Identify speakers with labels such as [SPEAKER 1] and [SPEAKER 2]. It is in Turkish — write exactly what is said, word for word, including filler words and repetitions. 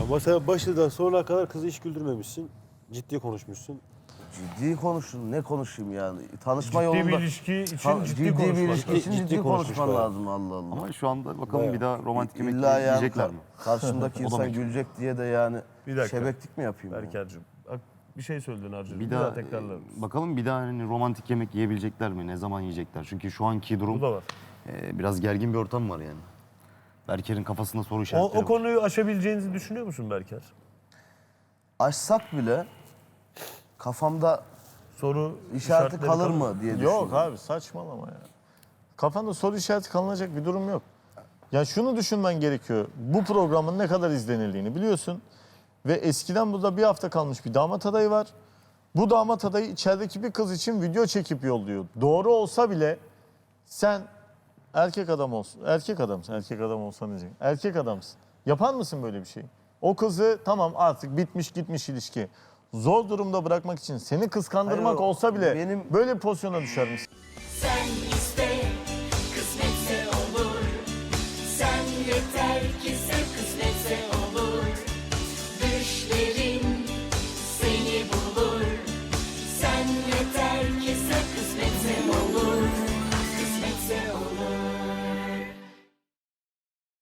[SPEAKER 1] Ama sen başından sonuna kadar kızı hiç güldürmemişsin. Ciddi konuşmuşsun.
[SPEAKER 2] Ciddi konuşun. Ne konuşayım yani? Tanışma
[SPEAKER 3] Ciddi
[SPEAKER 2] yolunda...
[SPEAKER 3] bir ilişki için
[SPEAKER 2] Ta-
[SPEAKER 3] ciddi,
[SPEAKER 2] ciddi bir
[SPEAKER 3] konuşmak.
[SPEAKER 2] ilişki için
[SPEAKER 1] Ciddi
[SPEAKER 2] ciddi,
[SPEAKER 1] konuşmuş
[SPEAKER 2] konuşman
[SPEAKER 1] bayağı.
[SPEAKER 2] lazım Allah Allah.
[SPEAKER 4] Ama şu anda bakalım
[SPEAKER 1] Bayağı.
[SPEAKER 4] bir daha romantik yemek
[SPEAKER 2] İlla yani
[SPEAKER 4] yiyecekler mi?
[SPEAKER 2] karşımdaki
[SPEAKER 4] O da
[SPEAKER 2] insan
[SPEAKER 4] meçhul.
[SPEAKER 2] gülecek diye de yani
[SPEAKER 3] Bir dakika.
[SPEAKER 2] şebeklik mi yapayım? Yani?
[SPEAKER 3] Berker'cim bak bir şey söyledin Arcı.
[SPEAKER 4] Bir daha e, bakalım bir daha hani romantik yemek yiyebilecekler mi? Ne zaman yiyecekler? Çünkü şu anki durum
[SPEAKER 3] Bu da var.
[SPEAKER 4] e, biraz gergin bir ortam var yani. Berker'in kafasında soru
[SPEAKER 3] O,
[SPEAKER 4] işaretleri
[SPEAKER 3] o
[SPEAKER 4] var.
[SPEAKER 3] konuyu aşabileceğinizi düşünüyor musun Berker?
[SPEAKER 2] Açsak bile kafamda
[SPEAKER 3] Soru
[SPEAKER 2] işareti
[SPEAKER 3] işaretleri
[SPEAKER 2] kalır mı diye düşünüyorum.
[SPEAKER 5] Yok abi saçmalama ya. Kafanda soru işareti kalınacak bir durum yok. Ya şunu düşünmen gerekiyor. Bu programın ne kadar izlenildiğini biliyorsun. Ve eskiden burada bir hafta kalmış bir damat adayı var. Bu damat adayı içerideki bir kız için video çekip yolluyor. Doğru olsa bile sen erkek adam olsun. Erkek adamsın. Erkek adam olsan diyecek. Erkek adamsın. Yapar mısın böyle bir şey? O kızı tamam artık bitmiş gitmiş ilişki. Zor durumda bırakmak için seni kıskandırmak
[SPEAKER 2] Hayır,
[SPEAKER 5] olsa bile
[SPEAKER 2] benim-
[SPEAKER 5] böyle bir pozisyona düşer misin?
[SPEAKER 6] Sen iste, kısmetse olur. Sen yeter ki sev.